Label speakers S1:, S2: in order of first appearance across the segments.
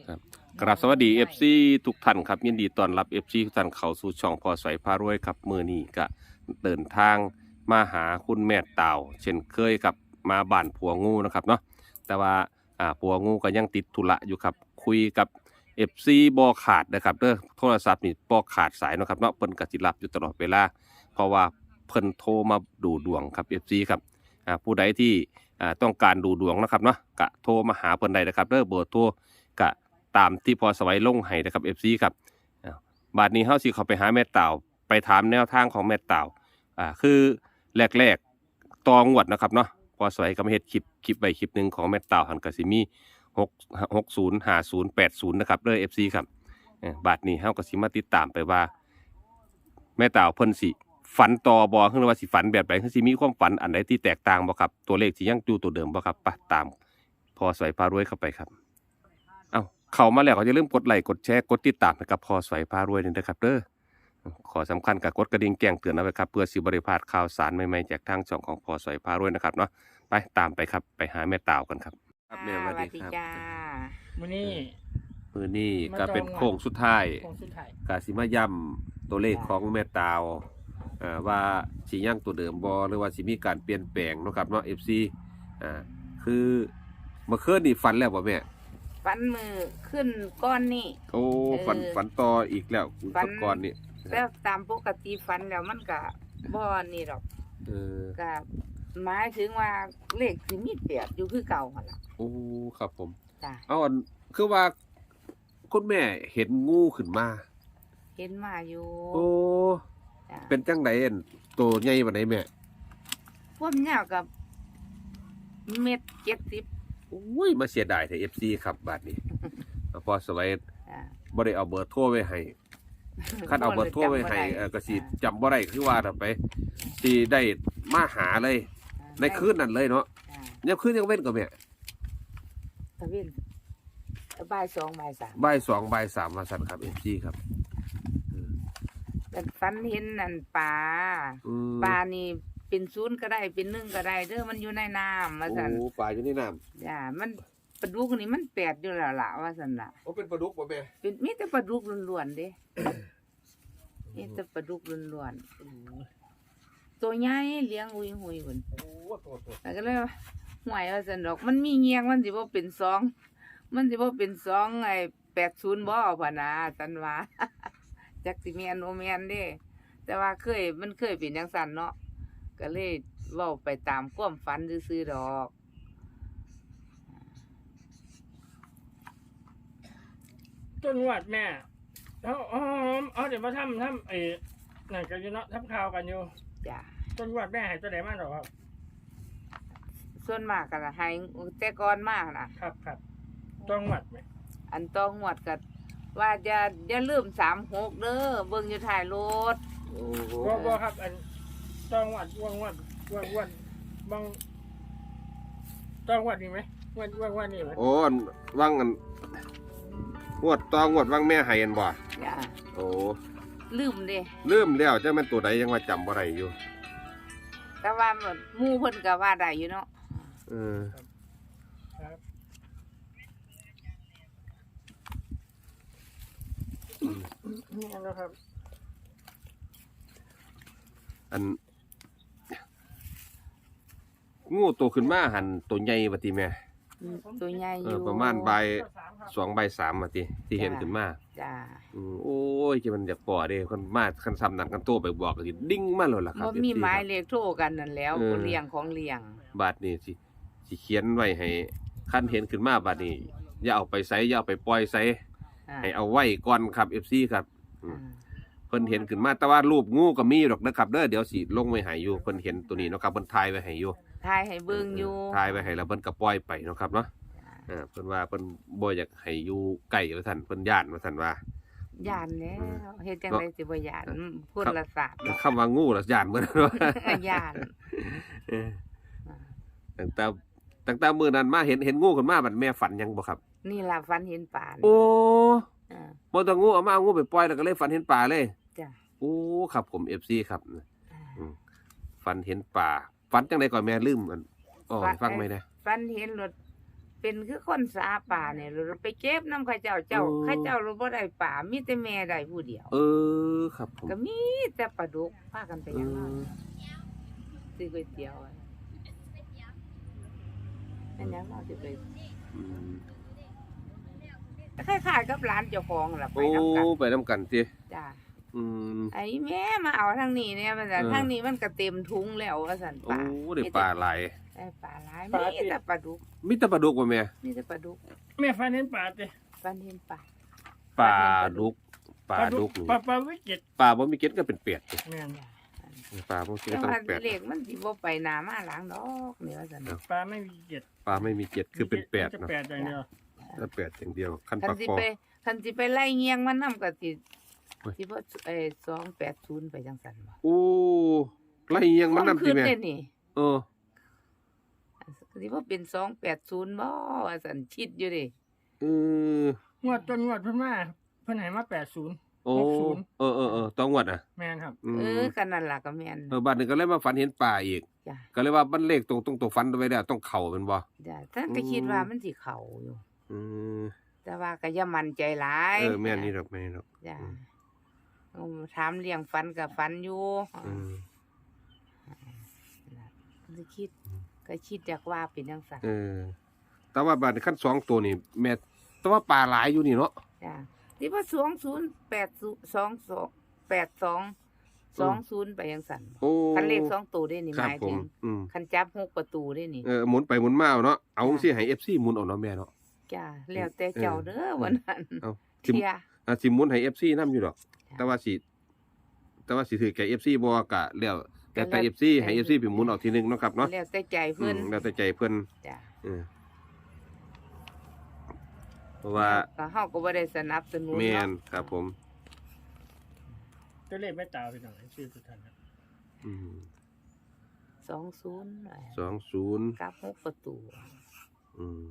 S1: ครับกราบสวัสดีFC ทุกท่านครับยินดีต้อนรับ FC ทุกท่านเข้าสู่ช่องพอสวยพารวยครับมื้อนี้ก็เดินทางมาหาคุณแม่ต่าวเช่นเคยครับมาบ้านผัวงูนะครับเนาะแต่ว่าผัวงูก็ยังติดธุระอยู่ครับคุยกับ FC บ่ขาดนะครับเด้อโทรศัพท์นี่บ่ขาดสายเนาะครับเนาะเพิ่นก็สิรับอยู่ตลอดเวลาเพราะว่าเพิ่นโทรมาดูดวงครับ FC ครับผู้ใดที่ต้องการดูดวงนะครับเนาะก็โทรมาหาเพิ่นได้นะครับเด้อเบอร์โทรก็ตามที่พอสวัยลงให้นะครับ FC ครับบาดนี้เฮาสิเข้าไปหาแม่ต่าวไปถามแนวทางของแม่ต่าวคือแรกๆตองวดนะครับเนาะพอสวัยก็มาเฮ็ดคลิปไว้คลิปหนึงของแม่ต่าวหันก็สิมี60 50 80นะครับเด้อ FC ครับบาดนี้เฮาก็สิมาติดตามไปว่าแม่ต่าวเพิ่นสิฝันต่อบ่คือว่าสิฝันแบบใดคือสิมีความฝันอันใดที่แตกต่างบ่ครับตัวเลขสิยังอยู่ตัวเดิมบ่ครับไปตามพอสวัยพารวยเข้าไปครับเข้ามาแล้วก็อย่าลืมกดไลค์กดแชร์กดติดตามให้กับพอสวยพารวยนี่นะครับเด้อขอสำคัญกับกดกระดิ่งแจ้งเตือนเอาไว้ครับเพื่อสิบ่ได้พลาดข่าวสารใหม่ๆจากทางช่องของพอสวยพารวยนะครับเนาะไปตามไปครับไปหาแม่ต่าวกันครับครับแม่สวัสดีครับ
S2: จ้า
S3: มื้อนี้
S1: มื้อนี้ก็เป็นโค้งสุดท้าย
S3: คงสุดท้าย
S1: ก็สิมาย้ำตัวเลขของแม่ต่าวว่าสิยังตัวเดิมบ่หรือว่าสิมีการเปลี่ยนแปลงเนาะครับเนาะ FC คือเมื่อคืนนี่ฝันแล้วบ่แม่
S2: ฟันมือขึ้นก้อนนี่
S1: โอ้ฝันต่ออีกแล้ว
S2: ฝัน
S1: ก่อนนี่
S2: แล้วตามปกติฟันแล้วมันก็บ่นี่ดอก
S1: เออ
S2: ก็หมายถึงว่าเลขสิมีเปียกอยู่คือเก่าหั่นล่ะ
S1: โอ้ครับผม
S2: จ้า
S1: เอาอันคือว่าคุณแม่เห็นงูขึ้นมา
S2: เห็นมาอยู่
S1: โอ้
S2: จ้า
S1: เป็นจังไดอันตัวใหญ่ปานใดแม่
S2: ความยาวกับ1.70
S1: โอ้ยมาเสียดายแต่ FC ครับบาดนี้ พอสวัย
S2: จ้า
S1: บ่ได้เอาเบอร์โทรไว้ให้คันเอาเบอร์โทรไว้ให้ก็สิจำบ่ได้คือว่าถ้าไปสิได้มาหาเลยในคืนนั้นเลยเนาะ
S2: จ้า
S1: ยังคืนยังเว้นก็แม่
S2: ตะเวนบ่าย2บ่าย3
S1: บ่าย2บ่าย3ว่าซั่นครับ FC ครับ
S2: แต่ฟันเห็นนั่นปลา
S1: อืม
S2: ปลานี่เป็น0ก็ได้เป็น1ก็ได้เด้อมันอยู่ในน้ำว่าซั่น
S1: โอ้ปลาอยู่ในน้ำ
S2: จ้ามันปลาดุกนี่มันแปดอยู่แล้วล่ะว่าซั่นล่ะ
S1: โอ้เป็นปลาดุกบ่แม่
S2: เป็นมีแต่ปลาดุกล้วนๆเด้ มีแต่ปลาดุกล้วนๆตัวใหญ่เลี้ยงหุยหุยพุ่น
S1: โอ้โต
S2: แล้วก็เลยว่าห่วยว่าซั่นดอก มันมีเงียงมันสิบ่เป็นสองมันสิบ่เป็นสองไอ้80บ่พ่นน่ะซั่นว่า จักสิแม่นบ่แม่นเด้ แต่ว่ามันเคยเป็นจังซั่นเนาะก็เลยเว้าไปตามความฝันซื่อๆดอก
S3: ต้นวัดแม่เอาเดี๋ยวมาทำไอ้นั่นกันอยู่เนาะทำข่าวกันอยู่
S2: จ้ะ
S3: ต้นวัดแม่ให้ตัวไหนมาหรอครับ
S2: ส่วนมากก็ให้แต่ก่อนมาน่ะ
S3: ครับต้นวัดแม่
S2: อันต้องหวดกัว่าอย่าลืม36เด้อเบิ่งอยู่ท้ายรถ
S1: โอ้
S3: บ่ครับอันต้นวัดว่างบางต้นวัดนี่ไหมวัดนี่ไหม
S1: โอ้อันว่างอันงวดต่องวดว่างแม่ให้อันบ่
S2: จ้ะ
S1: โอ้
S2: ลืมเด้
S1: ลืมแล้วจะมันตัวใดยังว่าจำบ่ได้อยู่
S2: แต่ว่าหมู่เพิ่นก็ว่าได้อยู่เนาะ
S1: เออ
S3: ครับนี่นะครับ
S1: อันงูโตขึ้นมาหันตัวใหญ่ว่าติแม่
S2: ตัวใหญ่อยู่
S1: ประมาณบ่าย2บ่าย3ว่าติที่เห็นขึ้นมา
S2: จ้ะ
S1: โอ้ยจะมันอยากปอเด้คนมาคันซ้ำนั้นกันโตไปบอกก็สิดิ้งมาเลยล่ะครับ
S2: บ่มีหมายเลขโทรกันนั่นแล้วผู้เลี้ยงของเลี้ยง
S1: บาดนี้สิเขียนไว้ให้คันเห็นขึ้นมาบาดนี้อย่าเอาไปไสอย่าเอาไปปล่อยไส
S2: อ่า
S1: ให้เอาไว้ก่อนครับ FC ครับ
S2: อ่า
S1: เพิ่นเห็นขึ้นมาแต่ว่ารูปงูก็มีดอกนะครับเด้อเดี๋ยวสิลงไว้ให้อยู่เพิ่นเห็นตัวนี้เนาะครับเพิ่นถ่ายไว้ให้อยู่
S2: ทายให้เบิ่งอยู่
S1: ถ่ายไว้ให้แล้วเพิ่นก็ปล่อยไปเนาะครับเนาะเพิ่นว่าเพิ่นบ่อยากให้อยู่ใกล้ว่าซั่นเพิ่นย้านว่าซั่นว่า
S2: ย่านแล้วเฮ็ดจังได๋สิบ่ย่านพุ่นละศาสตร์เนาะ
S1: คำว่างูละย้านเหมือนกันว่า
S2: ย่าน
S1: เออตั้งแต่มื้อนั้นมาเห็นงูขึ้นมาบัดแม่ฝันยังบ่ครับ
S2: นี่ล่ะฝันเห็นป่านี่
S1: โอ้
S2: อ่า
S1: บ่ต้องงูเอามาเอางูไปปล่อยแล้วก็เลยฝันเห็นปลาเลย
S2: จ้ะ
S1: โอ้ครับผม FC ครับ
S2: อ่า
S1: ฝันเห็นปลาฝันจังไดก่อนแม่ลืมอันอ๋อให้ฟังไหมนะ
S2: ฟันเห็นรถเป็นคือคนสาป่าเนี่ยเราไปเก็บน้ำข้าเจ้าข้าเจ้าเราบ่ได้ป่ามีแต่แม่ได้ผู้เดียว
S1: ครับผม
S2: ก็มีแต่ปลาดุกพากันไป
S1: อื
S2: ยังนอน
S1: ม
S2: ซื้อก๋วยเตี๋ยวอะอันยังนอนสิไป
S1: อืม
S2: คล้ายๆกับร้านเจ้าของล่ะไป
S1: โอ้
S2: นํกัน
S1: ไปนํกันติ
S2: จ้า
S1: อืม
S2: ไอ้แม่มาเอาทางนี้เนี่ยมันจะ
S1: เออ
S2: ทางนี้มันก็เต็มทุงแล้วว่าซั่น
S1: โอ้
S2: ป่า
S1: ได้ปลาหลาย
S2: ได้ปลาหลายมีแต่ปลาดุก
S1: มีแต่ปลาดุกบ่แม่
S2: มีแต่ปลาดุก
S3: แม่ฟันเห็นปลาเต้
S2: ฟันเห็นปลา
S1: ปลาดุกปลาดุกนี่
S3: ปลาวิจิตร
S1: ปลาบ่มีเกล็ดก็เป็นเป็ดติ
S3: แม่น
S1: ปลาบ่มีเกล็ด
S2: แต่
S1: ก็ต้อ
S2: ว่าง
S1: เป็ด
S2: เลขมันสิบ่ไปหน้ามาหลังดอกเนี่ยว่าซั่น
S3: ปลาไม่มีเจ็ด
S1: ปลาไม่มีเกล็ดคือเป็นเป็ด
S3: จะ
S1: เนาะ
S3: แปดอย่างเดียว
S1: ถ้าเป็ดอย่างเดียวคัน
S2: คั
S1: ปลาน
S2: สิ
S1: คอ
S2: ไปคันสิไปไล่เงียงมันนำก็สิ
S1: โอ้ย
S2: สิบ่280ไปจังซั่นบ่
S1: โอ้ไล่เอียงมันนำติแม่
S2: ขึ้นี่
S1: เออ
S2: สิบ่เป็น280บ่ว่าซั่นคิดอยู่เดิ
S1: เออง
S3: วดต้นงวดเพิ่นมาเพิ่นให้มา80
S1: โอ้ต้องงวดอ่ะ
S3: แม่นครับ
S1: อืม
S2: กันนั่นล่ะก็แม่น
S1: บัดนี้ก็เลยมาฝันเห็นปลาอีก
S2: จ้ะ
S1: ก็เลยว่ามันเลขตรงตัวฝันไว้แล้วต้องเข้าแม่นบ่
S2: จ้ะท่านก็คิดว่ามันสิเข้าอยู่
S1: อืม
S2: แต่ว่าก็อย่ามั่นใจหลาย
S1: แม่นนี่ดอกแม่นนี่ดอก
S2: จ้ะ
S1: อืม
S2: ถามเลี้ยงฟันก็ฟันอยู่
S1: อืม
S2: สิคิดก็คิดจากว่าเป็นจังซั่น
S1: เออแต่ว่าบัดนี้คัน2ตัวนี่แม่แต่ว่าปลาหลายอยู่นี่เนาะ
S2: จ้ะที่ว่า2080 ไปจังซั่น
S1: โอ้
S2: คันเลข2ตัวได้นี่
S1: ค
S2: ห
S1: รับ
S2: มาย
S1: ผ
S2: ถึ
S1: ม
S2: ง
S1: อืม
S2: คันจับ6ประตูได้นี่
S1: หมุนไปหมุนมาเอาเนาะเอา
S2: จ้ะ
S1: สิให้ FC หมุนเอาเนาะแม่เนาะ
S2: จ้ะแล้วแต่เจ้าเด้อวันนั้น
S1: เอาสิ
S2: เที่ย
S1: สิหมุนให้ FC นํอยู่ดอก แต่ว่าสิถือแก่ FC บ่ก็แล้วแต่ FC ให้ FC ไปหมุนเอาทีนึงเนาะครับเนาะ
S2: แล้วแต่ใจเพิ่น
S1: แล้วแต่ใจเพิ่น
S2: จ้ะ
S1: เพราะว่า
S2: ก็เฮาก็บ่ได้สนับสนุน
S1: แม่น
S2: เนาะ
S1: ครับผม
S3: ตัวเลขไม่ตาวพี่น้องชื่อทุกท่านครับ
S1: อืม
S2: 20
S1: 20
S2: กับ6ประตู
S1: อืม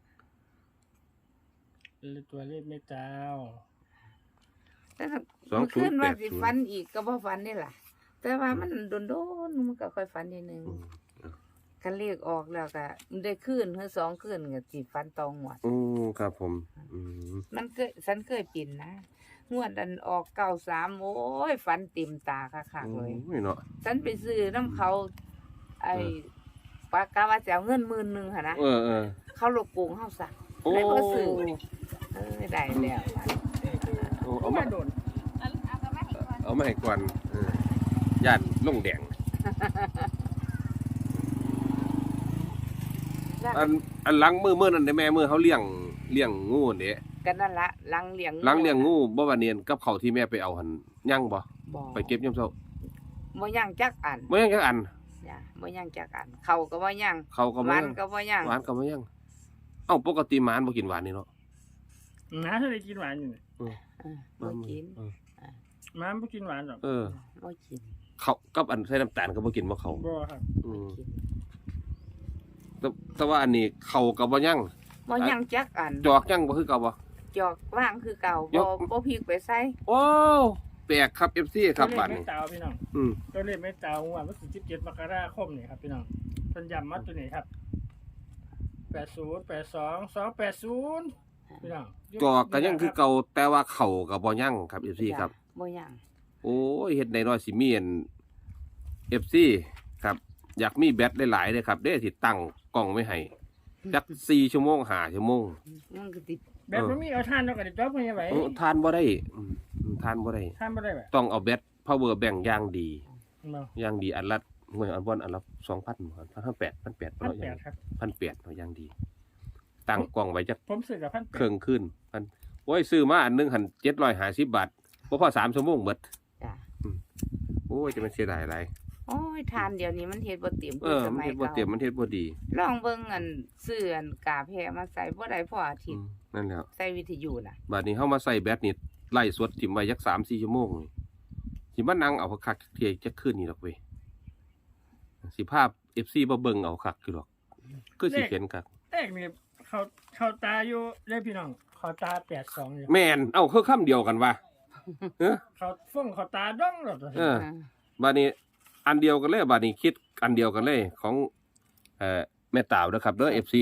S3: ตัวเลขไม่ตาว
S2: แต่ถ้า
S1: 20
S2: เมื่อคืนว่าสิ
S1: 80
S2: ฝันอีกก็บ่ฝันนี่ล่ะ แต่ว่ามันโดนๆมันก็ค่อยฝันนิดนึง
S1: อืม
S2: คันเลขออกแล้วก็ได้คืนคือ2คืนก็สิฝันตองงวด
S1: โอ้ครับผม อืม
S2: มันเคยฉันเคยเป็นนะงวดอันออก93โอ้ยฝันเต็มตาคักๆเลย
S1: โอ้ยเนาะ
S2: ฉันไปซื้อน้ำเขา ไอ้ปากกาว่าจะเอาเงิน10,000หั่นนะ
S1: เออ
S2: เขาลบโกงเฮาซะ
S1: โอ้
S2: เลยบ่ซื้อได้แล้ว
S1: โอ้เอา
S3: ไม่
S1: มา
S3: โดน
S1: เอามาให้ก่อนญาติลงแดง อันหลังมือนั่นได้แม่มือเขาเลี้ยงงูนี่
S2: กันนั่นละลังเลี้ยง
S1: หลังเลี้ยงงูบ่ว่าเนียนกับเขาวที่แม่ไปเอาหั่นยังบ่
S2: บ่
S1: ไปเก็บยามเช้า
S2: บ่ย่างจักอัน
S1: บ่ยังจักอัน
S2: จ้ะบ่ย่างจักอันเขาก็บ่ย่าง
S1: เขาก็
S2: ห
S1: บ่
S2: วา
S1: ยั
S2: น
S1: ง
S2: ก็บ่ย่าง
S1: หวานก็บ่ยังเอ้าปกติหมาบ่กินหวานนี่เนาะ
S3: หมาเท่าไรกินหวานอยู่เนี่ย
S2: บ่กิน
S3: หมาไม่กินหวานหรอก
S2: บ่กิน
S1: เขากับอันใส่น้ำตาลก็บ่กินบ่เขา
S3: บ่ครับ
S1: อืม
S2: กิน
S1: แต่ว่าอันนี้เขาก็บ่ยัง
S2: บ่ย่างจักอัน
S1: จอกยังบ่คือเก่าบ่
S2: จอกว่างคือเก่า
S1: จ
S2: บ่
S1: อก
S2: บ่พริกไปใส่
S1: โอ้แปลกครับ FC ครับ
S3: ตัวเล
S1: บั
S3: ข
S1: ด
S3: ไม่
S1: นี้
S3: ตาวพี่น้อง
S1: อืม
S3: ตัวเลขไม่ตาวงวดวันที่17มกราคมนี่ครับพี่น้องเพิ่นย้ำมาตัวนี้ครับ80 82 280พี่น้อง
S1: จอกก็ยังคือเก่าแต่ว่าเขาก็บ่ยังครับ FC ครับ
S2: บ่ย่าง
S1: โอ้ยเฮ็ดได้น้อยสิมีอัน FC ครับ อยากมีแบตหลายๆเลยครับเด้ที่ตั้งกล้องไว้ให้จัก4ชั่วโมง5ชั่วโมง
S2: มันก็ติด
S3: แบบบ่มีเอาทานเนาะก็ได้จ๊อบเพิ่นยังไว้
S1: ทานบ่ได้ทานบ่ได้
S3: ทานบ่ได้แบบ
S1: ต้องเอาแบต power bank อย่างดี
S3: บ่
S1: อย่างดีอันละหน่วยอันบ่อันละ 2,000 1,800 1,800
S3: พันแปดครับ
S1: 1,800เนาะอย่างดี ตั้งกล้องไว้จัก
S3: ผมซื้อกับพันแป
S1: เค
S3: ด
S1: รื่องขึ้นโอ้ยซื้อมาอันหนึงหั่น750 บาทบ่พอ3ชั่วโมงเบิด
S2: จ้ะ
S1: โอ้ยจะมันเสียดายหลาย
S2: โอ้ยทานเดี๋ยวนี้มันเฮ็ดบ่เต็ม
S1: เออ
S2: ส
S1: มัน
S2: มัย
S1: เฮ็ดบ่
S2: เก่า
S1: เต็มมันเฮ็ดบ่ดี
S2: ลองเบิ่งอันซื้ออันกาแพมาใส่บ่ได้พออาทิตย์
S1: นั่นแหละ
S2: ใส่วิทยุน่ะ
S1: บัดนี้เฮามาใส่แบตนี่ไล่สดถิ่มไว้จัก 3-4 ชั่วโมงนี่สิมานั่งเอาคักๆเที่ยจักคืนนี่ดอกเว้ยสิภาพ FC บ่เบิ่งเอาคักอยู่ดอกคือสิเห็นคัก
S3: แรกนี่เขาตาอยู่ได้พี่น้องเขาตา82อยู่
S1: แม่นเอ้าคือคำเดียวกันว่ะเออ
S3: เขาฟ้องเขาตาด้องหรอก
S1: เออ บัดนี้อันเดียวกันเลยบัดนี้คิดอันเดียวกันเลยของแม่ตาวเด้อครับเด้อ FC นี่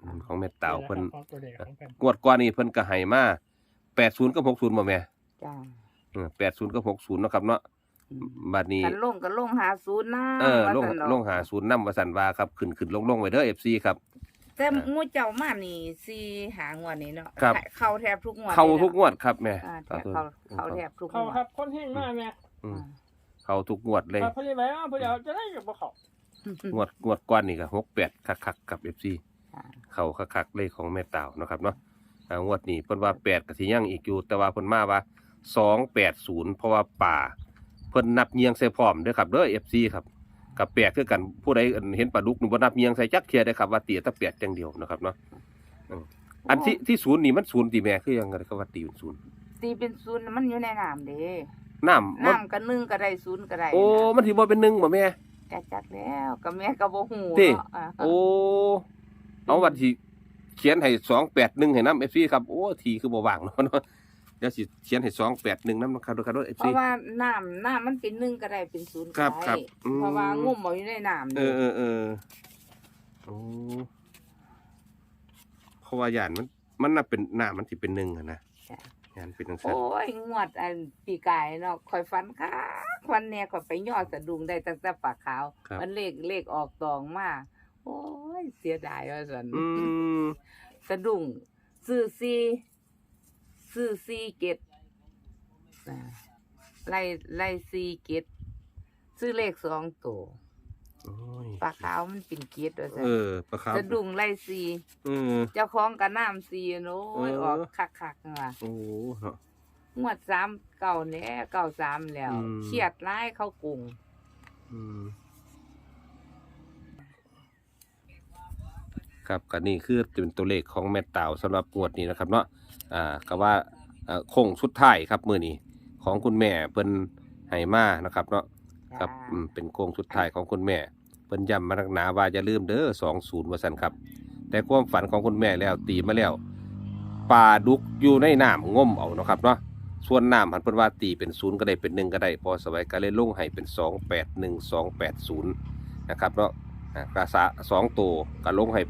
S1: ของแม่เต่าเพิ่น
S3: ของตัวเด็กของเพิ่น
S1: งวดก่อนนี่เพิ่นก็ให้มา80กับ60บ่แม่
S2: จ้า
S1: 80กับ60เนาะครับเนาะบัดนี้
S2: กันลงก็ลง50นะ
S1: ลง
S2: ว่าซั่นดอก
S1: ลง50นำว่าซั่นว่าครับขึ้นลงไว้เด้อ FC ครับ
S2: แต่งูเจ้ามานี่4หางวดนี้เนาะ
S1: ครับ
S2: เข้าแทบทุกงวด
S1: เข้า
S2: ลยนะ
S1: ทุกงวดครับแม่
S2: แทบเข้าแทบทุกง
S3: เขา
S2: วด
S3: ครับคนแห้งมากแม่
S1: อืมเข้าทุกงวดเลย
S3: ครับพอดีไหมว่าพอดีเอาจะได้กับบ่เขา
S1: งวดก่อนนี่ก็68คักๆกับ FC
S2: จ้า
S1: เข้าคักๆเลยของแม่เต่าเนาะครับเนาะงวดนี้เพิ่นว่า8ก็สิยังอีกอยู่แต่ว่าเพิ่นมาว่า280เพราะว่าป่าเพิ่นนับเยียงใส่พร้อมเด้อครับเด้อ FC ครับกับแปดคือกันผู้ใดเห็นปลาดุกนี่บ่นับเยียงใส่จักเทียได้ครับว่าเตียแตะ8จังเดียวนะครับเนาะอันที่ศูนย์นี่มันศูนย์ติแม่คือยังไงก็ว่าตีเป็นศูนย์
S2: ตีเป็นศูนย์มันอยู่ในน้ำเด้
S1: น้ำมัน
S2: น้ำก็1ก็ได้0ก็ได้
S1: โอ้มันสิบ่เป็น1บ่แม่
S2: กะจักแล้วก็แม่ก็บ่ฮู้
S1: ติ
S2: เนาะอ่า
S1: โอ้เอาวันที่เขียนให้281ให้นำ FC ครับโอ้ทีคือบ่ว่างเนาะเดี๋ยวสิเขียนให้281นำครับครับ
S2: เพ
S1: FC
S2: ราะว่าน้ำมันเป็น1ก็ได้เป็น0ก็
S1: ครับครั
S2: ได้
S1: บอืม
S2: เพราะว่างุ่มเอาอยู่ในน้ำ
S1: เอ
S2: นี่
S1: อโอ้เพราะว่าย่านมันน่ะเป็นน้ำมันสิเป็น1อะนะ
S2: จ้ะ
S1: ย่านเป็นจังซั่น
S2: โอ้ยงวดอันปีกายเนาะข่อยฝันค่ะวันแน่ข่อยไปยอดสะดุ้งได้ตั้งแต่ปากขาว
S1: ครับ
S2: มันเลขออกตองมาโอ้ยเสียดายว่าซั่น
S1: อืม
S2: สะดุ้งซื้อซีเกตอ่าไล่ซีเกตซื้อเลข2ตัว
S1: โอ้ย
S2: ปลาขาวมันเป็นเกตว่าซั่น
S1: ปลาขาว
S2: สะดุ้งไล่ซี เจ้าของก็น้ำซีโน้ย
S1: เออ
S2: ออกคักๆว่ะ
S1: โอ้เนาะ
S2: งวด3เก่าแหน่93แล้ว
S1: อืม
S2: เครียดร้ายเข้ากรุง
S1: อืมครับก็นี่คือเป็นตัวเลขของแม่เต่าสำหรับงวดนี้นะครับเนาะก็ว่าโค้งสุดท้ายครับมื้อนี้ของคุณแม่เพิ่นให้มานะครับเนาะครับเป็นโค้งสุดท้ายของคุณแม่เพิ่นย้ำมานักหนาว่าอย่าลืมเด้อ20ว่าซั่นครับ แต่ความฝันของคุณแม่แล้วตีมาแล้วปลาดุกอยู่ในน้ำง่มเอาเนาะครับเนาะส่วนน้ำหันเพิ่นว่าตีเป็น0ก็ได้เป็น1ก็ได้พอสบายก็เลยลงให้เป็น281280นะครับเนาะกระสะ2ตัวก็ลงให้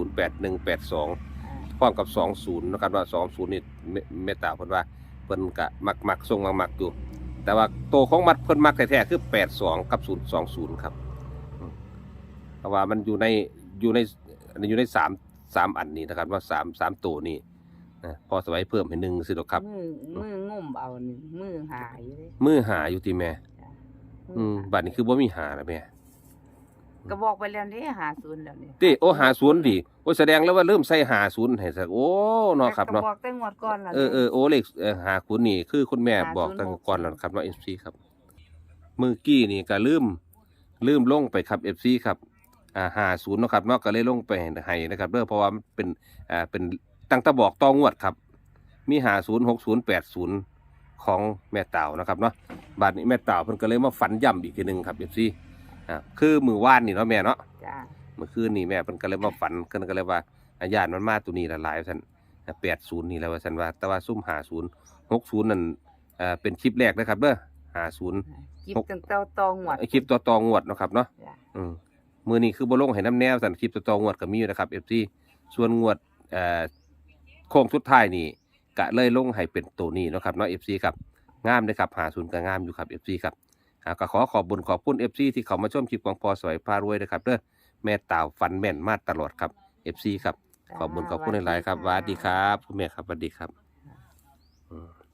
S1: 808182พร้อมกับ20นะครับว่า20นี่เมตตาเพิ่นว่าเพิ่นก็มักทรงมักอยู่แต่ว่าโตวของมัดเพิ่นมักแท้ๆคือ82กับ020ครับเพราะว่ามันอยู่ใน3อันนี้นะครับว่า3ตัวนี้พอสบายเพิ่มให้1สิดอกครับ
S2: มืองุ่มเอานี่มือหาอยู่เด้
S1: มือหาอยู่ติแม่
S2: มือหา
S1: บัดนี้คือบ่มีหาแล้วแม่
S2: ก็บอกไปแล้วนี่หาศูนย์แล้วนี่
S1: ติโอ้หา0ดิโอ้แสดงแล้วว่าเริ่มใส่หา0ให้ซะโอ้เนาะครับเนาะ
S2: ก็บอกแต่งวดก่อนแล้ว
S1: โอ้เลขหาคุณนี่คือคุณแม่บอกตั้งแต่ก่อนแล้วครับเนาะ FC ครับมือกี้นี่ก็ลืมลงไปครับ FC ครับ50เนาะครับเนาะก็เลยลงไปให้นะครับเด้อเพราะว่ามันเป็นตั้งแต่บอกต่องวดครับมี50 60 80ของแม่เต่านะครับเนาะบัดนี้แม่เต่าเพิ่นก็เลยมาฝันย่ำอีกทีนึงครับ FC คือมื้อวานนี่เนาะแม่เนาะ
S2: จ้า
S1: เมื่อคืนนี่แม่เพิ่นก็เลยมาฝันเพิ่นก็เลยว่าญาติมันมาตัวนี้ละหลายว่าซั่น80นี่แหละว่าซั่นว่าแต่ว่าซุ่ม50 60นั่นเป็นคลิปแรกนะครับเด้อ50
S2: จิบตั้งแต่ตองวด
S1: คลิปต่องวดเนาะครับเนาะ
S2: จ้า
S1: มื้อนี้คือบ่ลงให้น้ำแนวซั่นคลิปต่องวดก็มีอยู่นะครับ FC ส่วนงวดโค้งสุดท้ายนี่ก็เลยลงให้เป็นตัวนี้เนาะครับเนาะ FC ครับงามเด้อครับ50ก็งามอยู่ครับ FC ครับก็ขอบคุณFC ที่เข้ามาชมคลิปของพอสวยพารวยนะครับเด้อแม่ต่าวฝันแม่นมาตลอดครับ FC ครับขอบคุณหลายๆครับสวัสดีครับคุณแม่ครับสวัสดีครับ